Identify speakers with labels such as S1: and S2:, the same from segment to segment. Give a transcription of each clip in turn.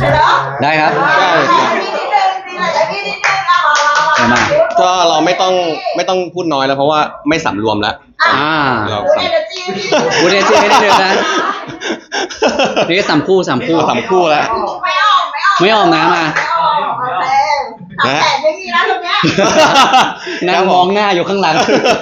S1: ได้ครับมา
S2: ก็เราไม่ต้องพูดน้อยแล้วเพราะว่าไม่สำรวมแล้วเรา
S1: พูดได้จริงได้เลยนะนี่สามคู่แล้วไม่ออกนะมา
S3: แต่ไม่มีแล้วตรงเนี้ย
S1: นั่งมองหน้าอยู่ข้างหลัง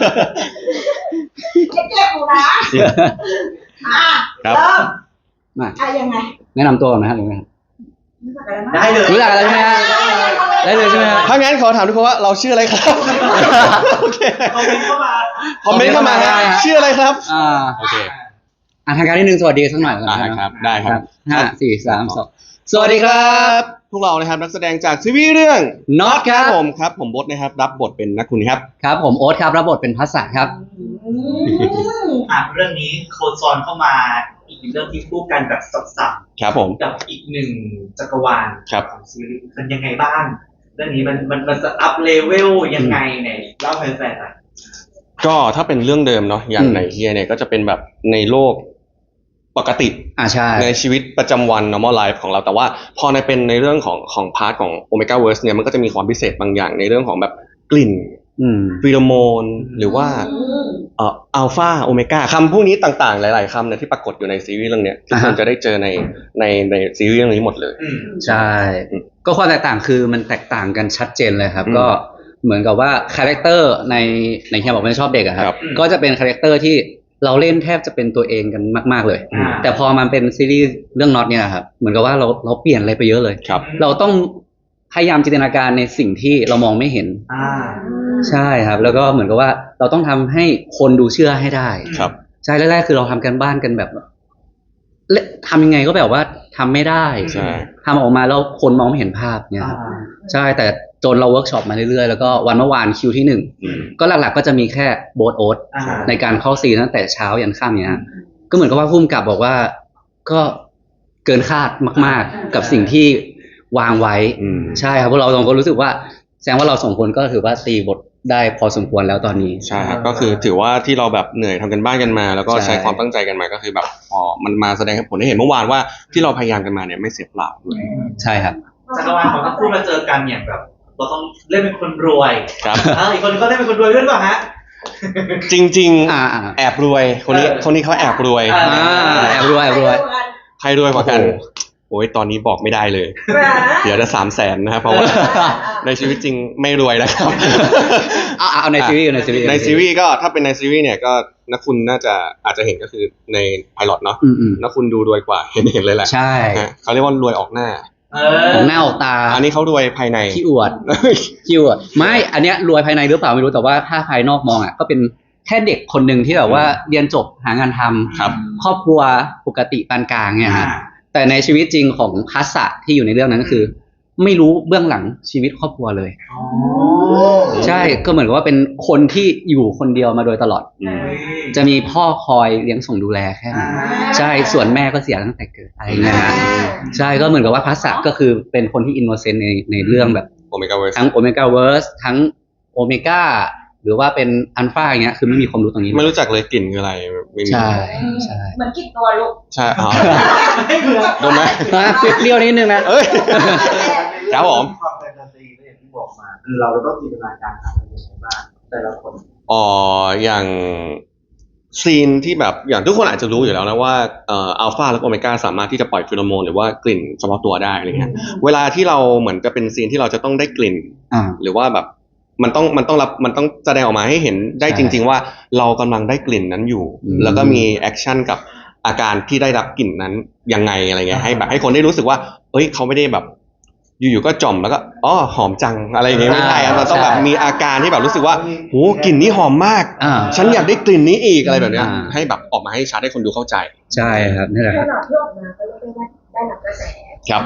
S3: เจ็บหูนะเริ่มมายังไง
S1: แนะนำตัวก่อนนะครับ
S4: ได้เลย
S1: รู้จักอะไรใช่ไหมฮะได้เลยใช่ไหมฮะ
S2: ถ้างั้นขอถามทุกคนว่าเราชื่ออะไรครับโอเคคอมเมนต์เข้ามาชื่ออะไรครับโอเค
S1: ทางการที่1สวัสดีสักหน่อย
S2: ครับได้ครับ
S1: 5 4 3 2สวัสดีครับ
S2: พวกเรานะครับนักแสดงจากซีรีส์เรื่อง
S1: Not
S2: ครับผมบดนะครับรับบทเป็นนักคุณครับ
S1: ครับผมโอ๊ตครับรับบทเป็นพัสสะครับ
S4: เรื่องนี้โคจรเข้ามาอีกเรื่องที่คู่กันแบบสับ
S2: ๆครับผม
S4: กับอีกหนึ่งจักรวาลของซีรีส์มันยังไงบ้างเรื่องนี้มันจะอัพเลเวลยังไงเนี่ยเล่าให้แฟนๆหน่อย
S2: ก็ถ้าเป็นเรื่องเดิมเนาะอย่างในเฮียเนี่ยก็จะเป็นแบบในโลกปกติ
S1: ใช่
S2: ในชีวิตประจำวัน normal life ของเราแต่ว่าพอเป็นในเรื่องของพาร์ทของ Omega Verse เนี่ยมันก็จะมีความพิเศษบางอย่างในเรื่องของแบบกลิ่นฟีโรโมนหรือว่าอัลฟาโอเมก้าคำพวกนี้ต่างๆหลายๆคำเนี่ยที่ปรากฏอยู่ในซีรีส์เรื่องเนี้ยทุกคนจะได้เจอในซีรีส์เรื่องนี้หมดเลย
S1: ใช่ก็ความแตกต่างคือมันแตกต่างกันชัดเจนเลยครับก็เหมือนกับว่าคาแรคเตอร์ในเฮียบอกไม่ชอบเด็กอะครับก็จะเป็นคาแรคเตอร์ที่เราเล่นแทบจะเป็นตัวเองกันมากๆเลยแต่พอมันเป็นซีรีส์เรื่องน็อตเนี่ยครับเหมือนกับว่าเราเปลี่ยนอะไรไปเยอะเลยเราต้องพยายามจินตนาการในสิ่งที่เรามองไม่เห็นใช่ครับแล้วก็เหมือนกับว่าเราต้องทำให้คนดูเชื่อให้ได้
S2: ครับ
S1: ใช่แรกๆคือเราทำกันบ้านกันแบบทำยังไงก็แบบว่าทำไม่ได้ทำออกมาแล้วคนมองไม่เห็นภาพเนี่ยใช่แต่จนเราเวิร์กช็อปมาเรื่อยๆแล้วก็วันเมื่อวานคิวที่1ก็หลักๆก็จะมีแค่โบ๊ทโอ๊ตในการเข้าซีนตั้งแต่เช้ายันค่ำเนี่ยก็เหมือนกับว่าผู้กำกับบอกว่าก็เกินคาดมากๆกับสิ่งที่วางไว้ใช่ครับพวกเราสองคนรู้สึกว่าแสดงว่าเราสองคนก็ถือว่าตีบทได้พอสมควรแล้วตอนนี้
S2: ใช่ครับก็คือถือว่าที่เราแบบเหนื่อยทำกันบ้านกันมาแล้วก็ใช้ความตั้งใจกันมาก็คือแบบพอมันมาแสดงให้ผลให้เห็นเมื่อวานว่าที่เราพยายามกันมาเนี่ยไม่เสียเปล่าด้วย
S1: ใช่ครับ
S4: จักรวาลของทั้งคู่มาเจอกันอย่างแบบเราต้องเล่นเป็นคนรวย
S2: ครับ
S4: อีกคนก็เล่นเป็นคนรวยด้วยป่ะฮะ
S2: จริงๆแอบรวยคนนี้เขาแอบรวย
S1: แอบรวย
S2: ใครรวยกว่ากันโอ้ยตอนนี้บอกไม่ได้เลยเดี๋ยวจะ300,000นะครับเพราะว่าในชีวิตจริงไม่รวยแล้วครับ
S1: เอาในซีรี
S2: ส์ก็ถ้าเป็นในซีรีส์เนี่ยก็นักคุณน่าจะอาจจะเห็นก็คือในไพลอตเนาะนักคุณดูรวยกว่าเห็นเลยแหละ
S1: ใช่
S2: เขาเรียกว่ารวยออกหน้า
S1: ของหน้าออกตา
S2: อันนี้เขารวยภายใน
S1: ขี้อวดไม่อันเนี้ยรวยภายในหรือเปล่าไม่รู้แต่ว่าถ้าภายนอกมองก็เป็นแค่เด็กคนหนึ่งที่แบบว่าเรียนจบหางานทำครอบครัวปกติปานกลางเนี่ยฮะแต่ในชีวิตจริงของพัสสะที่อยู่ในเรื่องนั้นก็คือไม่รู้เบื้องหลังชีวิตครอบครัวเลยใช่ก็เหมือนกับว่าเป็นคนที่อยู่คนเดียวมาโดยตลอดจะมีพ่อคอยเลี้ยงส่งดูแลแค่นั้นใช่ส่วนแม่ก็เสียตั้งแต่เกิดอะไรเงี้ยนะใช่ก็เหมือนกับว่าพัสสะก็คือเป็นคนที่อินโนเซนต์ในเรื่องแบบทั้งโอเมก้าเวิร์สทั้งโอเมก้าหรือว่าเป็นอัลฟาอย่างเงี้ยคือไม่มีความรู้ตรงนี้
S2: ไม่รู้จักเลยกลิ่นคืออะไร
S1: ใช่
S3: เหมือนกลิ่นตัวลูก
S2: ใช่ดมไหม
S1: เปรี้ยวนิดนึงนะ
S2: ครับผม
S4: ความแฟนตาซีที่บอกมาเราต้องจินตนาการทำอะไรยังไงบ้างแต่ละคน
S2: อย่างซีนที่แบบอย่างทุกคนอาจจะรู้อยู่แล้วนะว่าอัลฟาและโอเมก้าสามารถที่จะปล่อยฟีโรโมนหรือว่ากลิ่นเฉพาะตัวได้อะไรเงี้ยเวลาที่เราเหมือนจะเป็นซีนที่เราจะต้องได้กลิ่นหรือว่าแบบมันต้องแสดงออกมาให้เห็นได้จริงๆว่าเรากำลังได้กลิ่นนั้นอยู่แล้วก็มีแอคชั่นกับอาการที่ได้รับกลิ่นนั้นยังไงอะไรเงี้ยให้คนได้รู้สึกว่าเอ้ยเขาไม่ได้แบบอยู่ๆก็จ่อมแล้วก็หอมจังอะไรอย่างเงี้ยไม่ใช่เราต้องแบบมีอาการที่แบบรู้สึกว่าโหกลิ่นนี้หอมมากฉันอยากได้กลิ่นนี้อีกอะไรแบบเนี้ยให้แบบออกมาให้ชัดให้คนดูเข้าใจ
S1: ใช่ครับนี่แหละ
S3: ครับที่ออกมาก็เรียกได้ว่าได้รับกระแส
S2: ครับ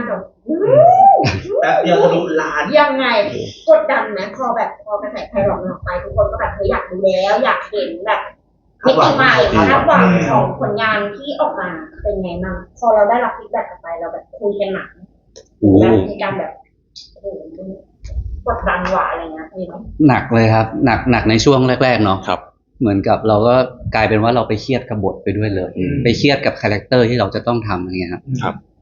S4: แบบเดียวทะลุล้าน
S3: ยังไงกดดันไหมพอกระแสไพเราะออกไปทุกคนก็แบบอยากดูแล้วอยากเห็นแบบมิติใหม่คาดหวังของผลงานที่ออกมาเป็นไงบ้างพอเราได้รับฟีดแบ็กกลับไปเราแบบคุยกันหนักมีการแบบกดดันหวะอะไรเงี้ยมีไหม
S1: หนักเลยครับหนักในช่วงแรกๆเนาะ
S2: ครับ
S1: เหมือนกับเราก็กลายเป็นว่าเราไปเครียดกับบทไปด้วยเลยไปเครียดกับคาแรคเตอร์ที่เราจะต้องทำอะไรเงี้ยครับ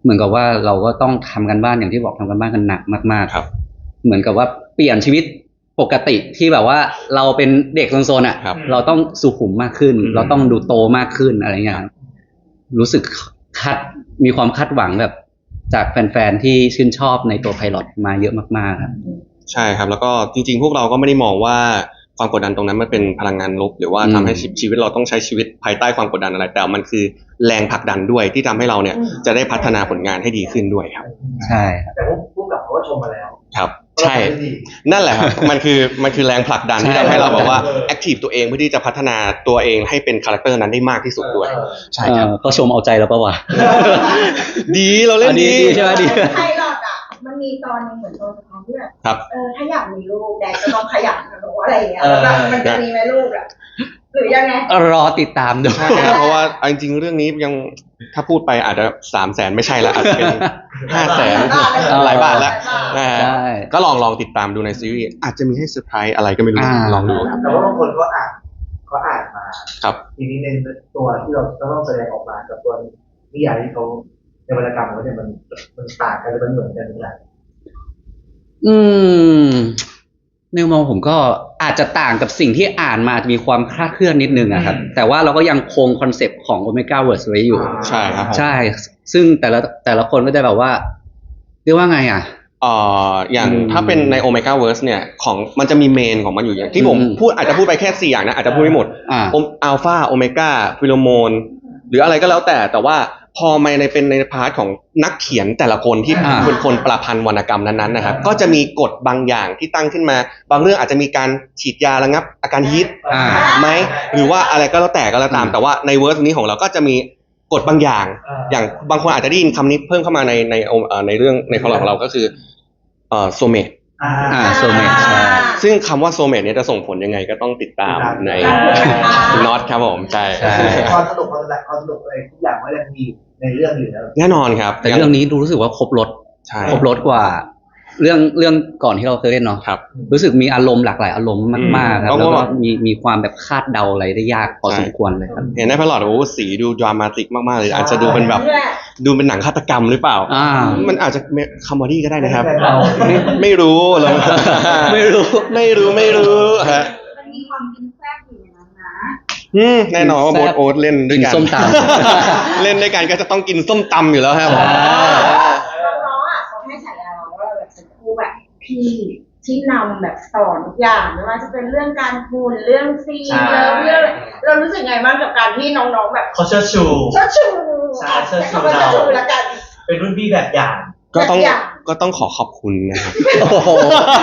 S1: เหมือนกับว่าเราก็ต้องทำกันบ้านอย่างที่บอกทำกันบ้านกันหนักมากๆ
S2: ครับ
S1: เหมือนกับว่าเปลี่ยนชีวิตปกติที่แบบว่าเราเป็นเด็กโซนๆอ่ะ
S2: ครับ
S1: เราต้องสุขุมมากขึ้น
S2: อืม
S1: เราต้องดูโตมากขึ้นอะไรเงี้ยครับรู้สึกมีความคาดหวังแบบจากแฟนๆที่ชื่นชอบในตัวไพลอตมาเยอะมากๆครับ
S2: ใช่ครับ แล้วก็จริงๆ พวกเราก็ไม่ได้มองว่าความกดดันตรงนั้นมันเป็นพลังงานลบหรือว่าทำให้ชีวิตเราต้องใช้ชีวิตภายใต้ความกดดันอะไร แต่มันคือแรงผลักดันด้วยที่ทำให้เราเนี่ยจะได้พัฒนาผลงานให้ดีขึ้นด้วยครับ
S1: ใช่ครับ
S4: แต่ผู้กำกับเขาก็ชมมาแล้ว
S2: ครับ ใช่ นั่นแหละครับ มันคือแรงผลักดันที่ทำให้เราแบบว่าแอคทีฟตัวเองเพื่อที่จะพัฒนาตัวเองให้เป็นคาแรคเตอร์นั้นได้มากที่สุดด้วย ใช่ครับ
S1: เขาชมเอาใจเราปะวะ
S2: ดีเราเล่นดี
S1: ใช่ไหมดี
S3: ไพลอตอ่ะมันมีตอนนึงเหมือนตอนสุดท้ายที่แบบ
S2: ครับ
S3: ถ้าอยากมีลูกแดกก็ต้องขยันนะหรือว่าอะไรอย่างเงี้ยแล้วแบบมันจะมีไหมลูกอ่ะหรือยังไง
S1: รอติดตามดู
S2: ใช่ครับเพราะว่าเอาจริงๆเรื่องนี้ยังถ้าพูดไปอาจจะ300,000ไม่ใช่ละอาจจะเป็น500,000หลายบาทแล้วนะฮะ
S1: ใช่
S2: ก็ลองติดตามดูในซีรีส์อาจจะมีให้เซอร์ไพรส์อะไรก็ไม่รู้ ลองดูครับ
S4: แต่ว่าบางคนก็อ่านมา
S2: ครับ
S4: ทีนี้ในตัวที่เราต้องแสดงออกมากับตัวนิยายที่เขาในวรรณกรรมเขาเนี่ยมันต่างกันหรือมันเหมือนกันหรือเปล่า
S1: อืมในมุมมองผมก็อาจจะต่างกับสิ่งที่อ่านมาจะมีความคลาดเคลื่อนนิดนึงอะครับ แต่ว่าเราก็ยังคงคอนเซปต์ของ Omega Verse ไว้อยู่
S2: ใช่ครับผม
S1: ใช่ ซึ่งแต่ละคนก็จะแบบว่าเรียกว่าไงอ่ะ
S2: อย่างถ้าเป็นใน Omega Verse เนี่ยของมันจะมีเมนของมันอยู่อย่างที่ผม
S1: อืม
S2: พูดอาจจะพูดไปแค่4อย่างนะอาจจะพูดไม่หมด อัลฟาโอเมก้าฟิโลโมนหรืออะไรก็แล้วแต่ว่าพอมาเป็นในพาร์ทของนักเขียนแต่ละคนที่เป็นคนประพันธ์วรรณกรรมนั้นๆนะครับก็จะมีกฎบางอย่างที่ตั้งขึ้นมา บางเรื่องอาจจะมีการฉีดยาระงับอาการฮิต ไหมหรือว่าอะไรก็แล้วแต่ตามแต่ว่าในเวอร์สนี้ของเราก็จะมีกฎบางอย่าง อย่างบางคนอาจจะได้ยินคำนี้เพิ่มเข้ามาในเรื่องในพอร์ตของเราก็คือโซเมต
S1: โซเมตใช่
S2: ซึ่งคำว่าโซเมตเนี่ยจะส่งผลยังไงก็ต้องติดตามในน็อตครับผมใช่
S4: ความสนุกอะไรทุกอย่างว่ายังมีในเรื่องอยู่แล้ว
S2: แน่นอนครับ
S1: แต่เรื่องนี้รู้สึกว่าครบรส
S2: ใช่
S1: ครบรสกว่าเรื่องก่อนที่เราเคยเล่นเนาะ
S2: ครับ
S1: รู้สึกมีอารมณ์หลากหลายอารมณ์มากๆครับ
S2: ต้อง
S1: แล้ว
S2: ว่า
S1: ก็มีความแบบคาดเดาอะไรได้ยากพอสมควรเลยครับ
S2: เห็นในพลอตโอ้สีดูดรามาติกมากๆเลยอาจจะดูเป็นแบบดูเป็นหนังฆาตกรรมหรือเปล่า มันอาจจะคอมเมดี้ก็ได้นะครับ ไม่รู้เลย ไม่รู้ฮะ
S3: มันมีความกินแซ่บอยู่ในนั้นนะ
S2: แน่นอนว่าโบ๊ทโอ๊ตเล่นด้วยกัน
S1: กินส้มตำ
S2: เล่นด้วยกันก็จะต้องกินส้มตำอยู่แล้วครับผม
S3: น้องๆอ่ะเขาให้ฉายาเราว่าเราแบบเป็นครูแบบพี่ที่นำแบบสอนทุกอย่างไม่ว่าจะเป็นเรื่องการพูดเรื่องซีนเรื่องเรารู้สึกไงบ้างกับการที่น้องๆแบบ
S4: เขาเชิดชู
S3: เชิดชู
S4: ใช่เชิดชู
S3: คำว่าเชิดชูแล้วกัน
S4: เป็นรุ่นพี่แบบอย่าง
S2: ก็ต้องขอขอบคุณนะครับ
S1: โอ้โห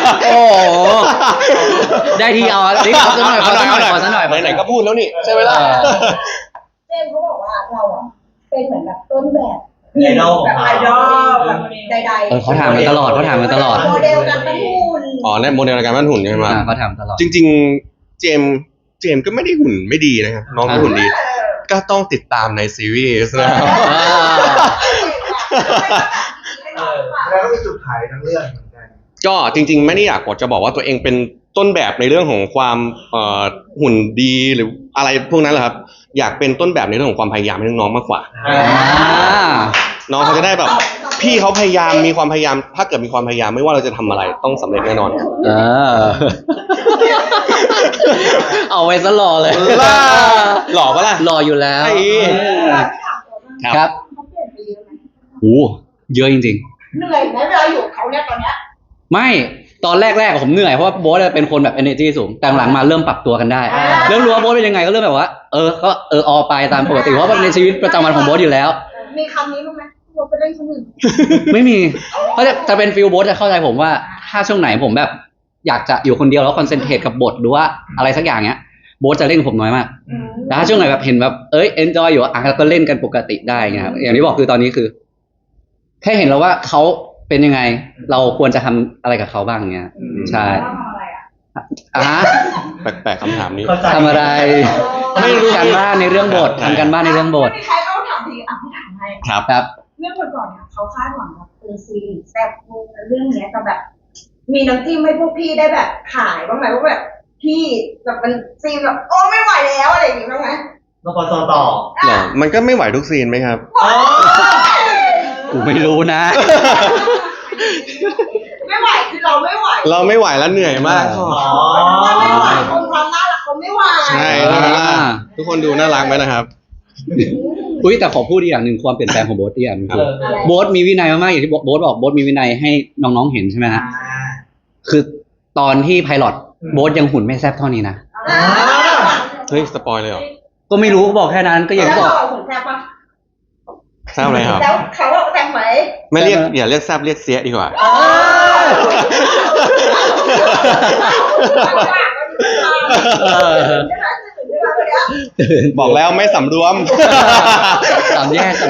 S1: ได้ทีเอาดิขอสักหน่อยขอสักหน่อย
S2: ไหนๆก็พูดแล้วนี่ใช่ไหมล่ะ
S3: เจมส์เขาบอกว่าเราอ่ะเป็นเหมือนแบบต้นแบบ
S4: ไอดอล
S3: แบบไอดอลแบบใดๆ
S1: เขาถามมาตลอด
S3: โมเดลการปั้นหุ่น
S2: อ๋อในโมเดลในการปั้นหุ่นใช่ไหม
S1: เขาถามตลอด
S2: จริงๆเจมส์ก็ไม่ได้หุ่นไม่ดีนะครับน้องก็หุ่นดี ก็ต้องติดตามในซีรีส์นะครับ
S4: แล้วก็มีจุดขายทั้งเรื่องเหมือนกัน
S2: ก็จริงๆไม่ได้อยากจะบอกว่าตัวเองเป็นต้นแบบในเรื่องของความหุ่นดีหรืออะไรพวกนั้นแหละครับอยากเป็นต้นแบบในเรื่องของความพยายามให้น้องๆมากกว่า น้องเขาจะได้แบบพี่เขาพยายามมีความพยายามถ้าเกิดมีความพยายามไม่ว่าเราจะทำอะไรต้องสำเร็จแน่นอนครับ
S1: เอาไว้ซะหล่อเลย
S2: หล่อปะล่ะ
S1: หล่ออยู่แล้ว ครับ
S3: เขาเปลี่ยนไปเยอะไหม
S1: โอ้เยอะจริง
S3: เหนื่อยไหมเวลาอยู่กับเขาเนี่ยตอนเนี้ย
S1: ๆ ไม่ตอนแรกๆผมเหนื่อยเพราะว่าโบ๊ทเป็นคนแบบ energy สูงแต่หลังมาเริ่มปรับตัวกันได้เริ่มรู้ว่าโบ๊ทเป็นยังไงก็เริ่มแบบว่าก็ออไปตามปกติเพราะว่าในชีวิตประจำวันของโบ๊ทอยู่แล้ว
S3: มีคำนี้บ้างไหมเราไปเล่นคนอื่น
S1: ไม่มีเพราะจะเป็นฟิลโบ๊ทจะเข้าใจผมว่าถ้าช่วงไหนผมแบบอยากจะอยู่คนเดียวแล้วคอนเซนเทรตกับบทหรือว่าอะไรสักอย่างเนี้ยโบ๊ทจะเล่นกับผมน้อยมากแต่ถ้าช่วงไหนแบบเห็นแบบเอนจอยอยู่ก็เล่นกันปกติได้ไงครับอย่างที่บอกคือตอนนี้คือแค่เห็นแล้วว่าเขาเป็นยังไงเราควรจะทำอะไรกับเขาบ้างเงี้ยใช่
S3: ทำอะไรอ่ะ
S2: แปลกๆคำถามนี้
S1: ทำอะไรไม่รู้การบ้านในเรื่องบททำการบ้านในเรื่องบท
S3: ไม่มีใครเอาถามทีอ่ะพี่ถามให้
S2: ครับ
S1: ครับ
S3: เรื่องก่อนๆเนี่ยเขาคาดหวังแบบเป็นซีรีส์แซ่บมูเรื่องเนี้ยจะแบบ มีน้ำจิ้มให้พวกพี่ได้แบบขายบ้างไหมว่าแบบพี่แบบมันซีนแบบโอ้ไม่ไหวแล้วอะไรอย่างงี้บ้างไหม
S4: นปสต่อ
S2: เหรอมันก็ไม่ไหวทุกซีนไหมครับ
S3: เ
S1: กูไม่รู้นะ
S3: ไม่ไหวคือเราไม่ไหว
S2: เราไม่ไหวแล้วเหนื่อยมาก
S4: อ๋อ
S3: เราไม่ไหวคนความน่ารักเขาไม่ไหว
S2: ใช่ใช่ไหมล่ะทุกคนดูน่ารักไหมนะครับ
S1: อุ้ยแต่ขอพูดอีกอย่างหนึ่งความเปลี่ยนแปลงของโบ๊ทอีกอย่างหนึงคือ
S3: อะไร
S1: โบ๊ทมีวินัยมากๆอย่างที่โบ๊ทบอกโบ๊ทมีวินัยให้น้องๆเห็นใช่ไหมฮะคือตอนที่ไพลอตโบ๊ทยังหุ่นไม่แซ่บเท่านี้นะ
S2: เฮ้ยสปอยเลยเหรอ
S1: ก็ไม่รู้บอกแค่นั้นก็อย่าง
S3: แล้ว
S1: ที่บอก
S3: เราหุ่นแซ่บปะ
S2: ทราบเลยครับ
S3: แล้วเขาว่าแซ่บไหม
S2: ไม่เรียกอย่าเรียกแซบเรียกเสียดีกว่า บอกแล้วไม่สำรวม
S1: สามแยก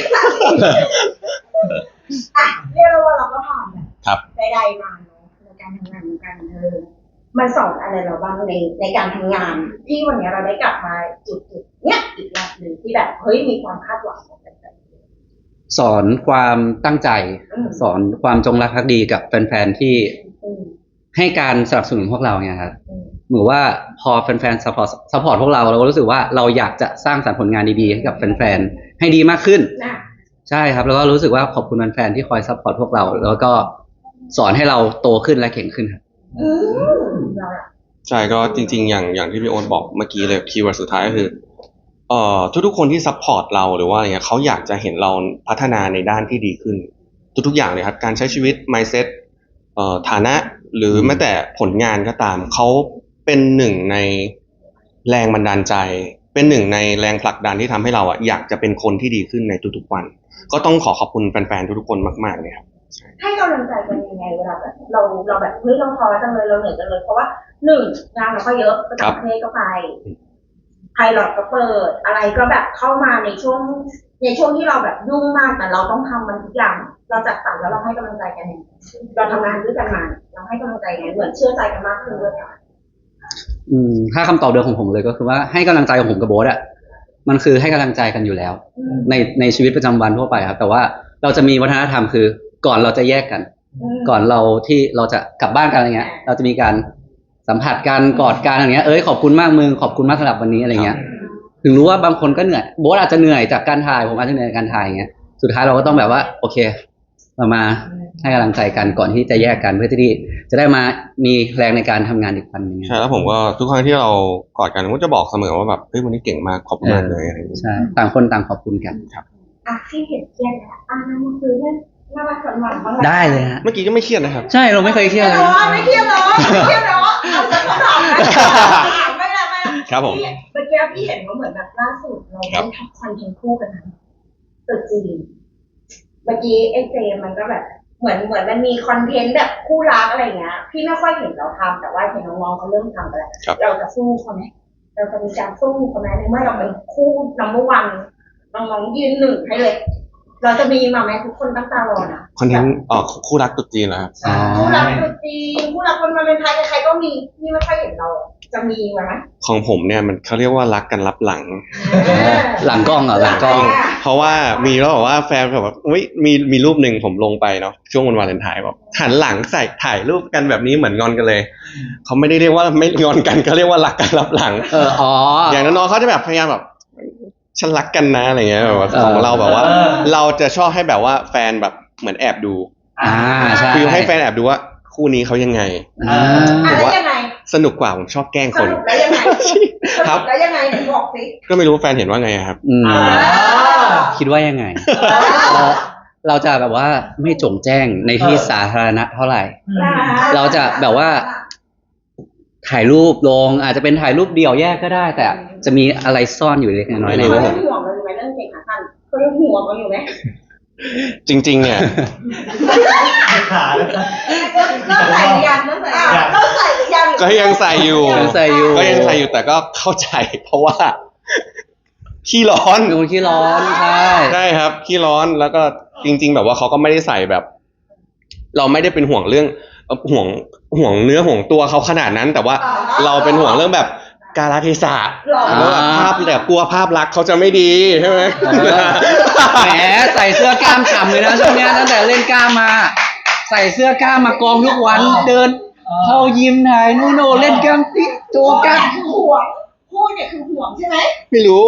S3: อ่ะเรียกว่าเราก็ผ่านแบบ
S2: ครับ
S3: ใดๆมาเนาะในการทำงานในการมันสอนอะไรเราบ้างในการทำงาน ที่วันนี้เราได้กลับมาจุดเนี้ยอีกรอบหนึ่งที่แบบเฮ้ยมีความคาดหวังของแฟน
S1: สอนความตั้งใจ
S3: อืม
S1: สอนความจงรักภักดีกับแฟนๆที่
S3: ๆอืม
S1: ให้การสนับสนุนพวกเราเนี่ยครับ
S3: อืม
S1: เหมือนว่าพอแฟนๆซัพพอร์ตพวกเราก็รู้สึกว่าเราอยากจะสร้างสรรค์ผลงานดีๆให้กับแฟนๆให้ดีมากขึ้น
S3: น่ะ
S1: ใช่ครับแล้วก็รู้สึกว่าขอบคุณแฟนๆที่คอยซัพพอร์ตพวกเรา แล้วก็สอนให้เราโตขึ้นและเก่งขึ้นครับ
S3: อืมเราอะ
S2: ใช่ก็จริงๆอย่างที่พี่โอ๊ตบอกเมื่อกี้เลยคีย์เวิร์ดสุดท้ายก็คือทุกๆคนที่ซัพพอร์ตเราหรือว่าอะไรเงี้ยเขาอยากจะเห็นเราพัฒนาในด้านที่ดีขึ้น ทุกๆอย่างเลยครับการใช้ชีวิต mindset ฐานะหรือแม้แต่ผลงานก็ตามเขาเป็นหนึ่งในแรงบันดาลใจ เป็นหนึ่งในแรงผลักดันที่ทำให้เราอ่ะอยากจะเป็นคนที่ดีขึ้นในทุกๆวัน ก็ต้องขอบคุณแฟนๆทุกๆคนมากๆเลยครับ
S3: ให้กำลังใจกันยังไงเวลาแบบเราแบบเฮ้ยเราท้อจังเลยเราเหนื่อยจังเลยเพราะว่าหนึ่งงานเราก็เยอะประจำประเทศก็ไปไพลอตก็เปิดอะไรก็แบบเข้ามาในช่วงที่เราแบบยุ่งมากแต่เราต้องทำมันทุกอย่างเราจัดสรรแล้วเราให้กำลังใจกันยังไงเราทำงานด้วยกันมาเราให้กำลังใจไงเหมือนเชื่อใจกันมากขึ้นด้วยค่ะ
S1: ถ้าคำตอบเดิมของผมเลยก็คือว่าให้กำลังใจของผมกับโบ๊ทอ่ะมันคือให้กำลังใจกันอยู่แล้ว ในชีวิตประจำวันทั่วไปครับแต่ว่าเราจะมีวัฒนธรรมคือก่อนเราจะแยกกัน ก่อนเราที่เราจะกลับบ้านกันอะไรเงี้ย เราจะมีการสัมผัสกันกอดกันอะไรเงี้ยขอบคุณมากมึงขอบคุณมากสำหรับวันนี้อะไรเงี้ย ถึงรู้ว่าบางคนก็เหนื่อยโบ๊ทอาจจะเหนื่อยจากการถ่ายผมอาจจะเหนื่อยจากการถ่ายอย่างเงี้ยสุดท้ายเราก็ต้องแบบว่าโอเคเรามาให้กำลังใจกันก่อนที่จะแยกกันเพื่อที่จะได้มามีแรงในการทำงานอีกวันหนึง
S2: ใช่แล้วผมก็ทุกครั้งที่เรากอดกันผมก็จะบอกเสมอว่าแบบเฮ้ยวันนี้เก่งมากขอบคุณมากเลยอะไรอย่างเงี้ย
S1: ใช่ต่างคนต่างขอบคุณกัน
S3: อ่ะที่เห็นเครียดนะมาคุยเรื่องน่ารักสนหวานบ้าง
S1: ได้เลยฮะ
S2: เมื่อกี้ก็ไม่เครียดนะครับ
S1: ใช่เราไม่เคยเครียดเลย
S3: ไม่เครียดหรอไม่เครียดหรอเอาสักคำถามนะไม่ละ
S2: ครับผม
S3: เมื่อกี้พี่เห็นว่าเหมือนแบบล่าสุดเราได้ทำคอนเทนต์คู่กันนะตึกจีนเมื่อกี้ไอ้เจมันก็แบบเหมือนมันมีคอนเทนต์แบบคู่รักอะไรเงี้ยพี่ไม่ค่อยเห็นเราทำแต่ว่าเห็นน้องๆเขาเริ่มทำไปแล้ว
S2: ครับ
S3: เราจะสู้เขาไหมเราจะมีการสู้เขาไหมในเมื่อเราเป็นคู่นัมเบอร์วันน้องๆยืนหนึ่งให้เลย เราจะมีมาไหมทุกคนตั้งตารอนะ
S2: คอนเทนต์คู่รักตุ๊ดจีนเหรอครับ
S1: อ๋อ
S3: คู่รักตัวจริงคู่รักคนมาเป็นไทยใครๆก็มีพี่ไม่ค่อยเห็นเรา จะมีไหม
S2: ของผมเนี่ยมันเขาเรียกว่ารักกันลับหลัง
S1: หลังกล้องเหรอหลังกล้อง
S2: เพราะว่ามีแล้วบอกว่าแฟนแบบว่าอุ้ยมีรูปหนึ่งผมลงไปเนาะช่วงวันวาเลนไทน์บอกหันหลังใส่ถ่ายรูปกันแบบนี้เหมือนงอนกันเลยเขาไม่ได้เรียกว่าไม่งอนกันเขาเรียกว่ารักกันลับหลัง อย่างน้องๆเขาจะแบบพยายามแบบฉันรักกันนะอะไรเงี้ยแบบว่าของเราแบบว่า เราจะชอบให้แบบว่าแฟนแบบเหมือนแอบดู
S1: ใช่
S2: คือให้แฟนแอบดูว่าคู่นี้เขายังไง
S3: อะไรยังไง
S2: สนุกกว่าผมชอบแกล้ง
S3: ส
S2: คน
S3: รุปแล้วยังไง
S2: ครับ
S3: แล้วยังไงบอกสิ
S2: ก็ไม่รู้แฟนเห็นว่าไงอะครับ
S1: คิดว่ายังไง เราจะแบบว่าไม่โจ่งแจ้งในที่สาธารณะเท่าไหร่ เราจะแบบว่า ถ่ายรูปลงอาจจะเป็นถ่ายรูปเดี่ยวแยกก็ได้ แต่จะมีอะไรซ่อนอยู่เล็กน้อยใน
S3: เขา
S1: รูป
S3: ยังห่วงเราอยู่ไหมเรื่องเก่งขาสั้นเขายังห่วงเราอยู่ไหม
S2: จริง ๆ เนี่ย
S4: ขาแล้วก็
S3: เริ่มใส่หรือยังเริ่มใส่หรือยัง
S2: ก็ยังใส่อยู่
S1: ยังใส่อยู่
S2: ก็ยังใส่อยู่แต่ก็เข้าใจ เพราะว่าขี้ร้อน
S1: เป็นคนขี้ร้อนใช่
S2: ใช่ครับขี้ร้อนแล้วก็จริง ๆ แบบว่าเขาก็ไม่ได้ใส่แบบ เราไม่ได้เป็นห่วงเรื่องห่วงเนื้อห่วงตัวเขาขนาดนั้น แต่ว่าเราเป็นห่วงเรื่องแบบกาลเทศะ
S3: หล่อ
S2: แล้วแบบภาพแต่กลัวภาพลักษณ์เขาจะไม่ดีใช่ไหม
S1: แหมใส่เสื้อกล้ามฉ่ำเลยนะช่วงเนี้ยตั้งแต่เล่นกล้ามมา ใส่เสื้อกล้ามมากองทุกวันเดินเข้ายิมถ่ายนู่นโน่เล่นกล้ามติ๊กโจกัส
S3: คือห่วงพูดเนี่ยคือห่วงใช่ไหม
S2: ไม่รู้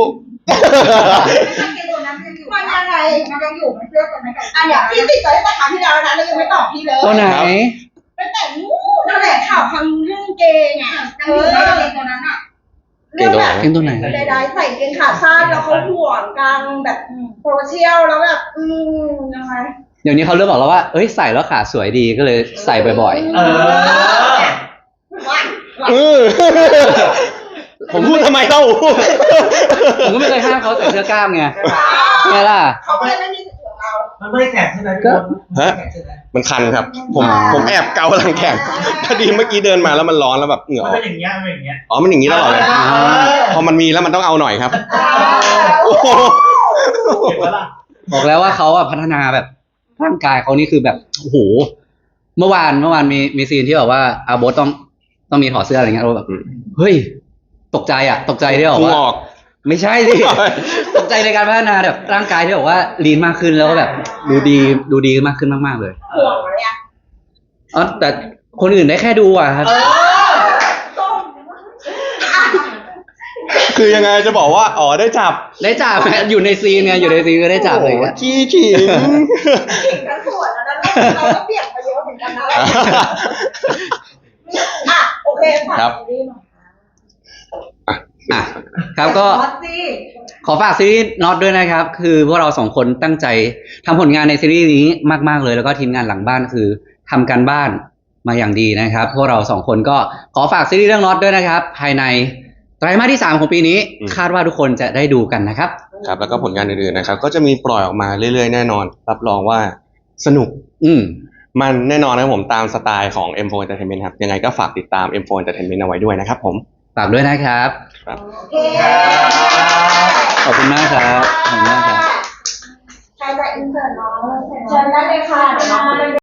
S3: ตัวนั้นมันยังไงมันยังอยู่มันเสื้อตัวนั้นกันอันเนี้ยพี่ติดใจตั้งแต่ครั้งที่แล้วนะแล้วยังไม่ตอบพี่เลย
S1: ตัวไหน
S3: ตั้งแต่นู้นนั่นแหละข่าวพังเรื่องเกงอ่ะยังอยู่ในเกงตัวนั้นอ่ะ
S2: เก่งตัวไหน
S1: เก่งตัวไหน
S3: ใดๆใส่เกงขาสั้นแล้วเขาห่วงกลางแบบโซเชียลแล้วแบบยังไง
S1: เดี๋ยวนี้เขาเริ่มบอกแล้วว่าเอ้ยใส่แล้วขาสวยดีก็เลยใส่บ่อย
S4: เออ
S2: ผมพูดทำไมเล่า
S1: ๆผมก็ไม่เคยห้ามเขาใส่เสื้อกล้ามไงไงล่ะ
S3: เขาก็เลยไม่มีสิทธิ์ของเรา
S4: มันไม่แข็งใช่ไหมพี่บอล
S2: ฮะ
S4: แข็งใช่ไหม
S2: มันคันครับ ผมแอบเกาหลังแขนพอดีเมื่อกี้เดินมาแล้วมันร้อนแล้วแบบเหงื่อ
S4: มัน
S2: ออ
S4: เป็
S2: ก
S4: นอย่างเงี้ยมันเป็นอย่างเงี้ย
S2: อ๋อมันอย่างนี้ตลอดเลยพอมันมีแล้วมันต้องเอาหน่อยครับโอ้โห
S4: เห็นปะล่ะ
S1: บอกแล้วว่าเขาอะพัฒนาแบบร่างกายเขานี่คือแบบโอ้โหเมื่อวานมีซีนที่แบบว่าอาโบสต้องมีถอดเสื้ออะไรเงี้ยเราแบบเฮ้ยตกใจที่บอก
S2: พุง
S1: ว่า
S2: ออก
S1: ไม่ใช่สิ ตกใจในการพัฒนาแบบร่างกายที่บอกว่าลีนมากขึ้นแล้วก็แบบดูดีมากขึ้นมากๆเลย
S3: ห่วงอะไรอ่ะ
S1: อ๋อแต่คนอื่นได้แค่ดูอะครับ
S3: ส้ม
S2: คือยังไงจะบอกว่าอ๋อได้จับ
S1: ได้จับอยู่ในซีนไงอยู่ในซีนก็ได้จับเลยอะ
S2: ขี้ขิง
S3: ขิงกันสวยแล้วนะเราก็เปลี่ยนไปเยอะเหมือนกันนะอ่ะโอเคค่ะ
S2: ครับ
S3: ซีรีส์หน่อย
S1: อ่ะครับก็
S3: ฮอตสิ
S1: ขอฝากซีรีส์น็อตด้วยนะครับ คือพวกเราสองคนตั้งใจทำผลงานในซีรีส์นี้มากๆเลยแล้วก็ทีมงานหลังบ้านคือทำการบ้านมาอย่างดีนะครับ พวกเราสองคนก็ขอฝากซีรีส์เรื่องน็อตด้วยนะครับ ภายในไตรมาสที่ 3 ของปีนี้ คาดว่าทุกคนจะได้ดูกันนะครับ
S2: ครับแล้วก็ผลงานอื่นๆนะครับ ก็จะมีปล่อยออกมาเรื่อยๆแน่นอน รับรองว่าสนุก มันแน่นอนนะครับผมตามสไตล์ของ M4 Entertainment ครับยังไงก็ฝากติดตาม M4 Entertainment เอาไว้ด้วยนะครับผม
S1: ฝากด้วยนะครับ
S2: ครับ
S3: โอเค
S1: ขอบคุณมากครับขอบคุณมากครับ
S3: ใครจะอินเสิร์ตน้องเชิญได้เลยค่ะเดี๋ยวน้อง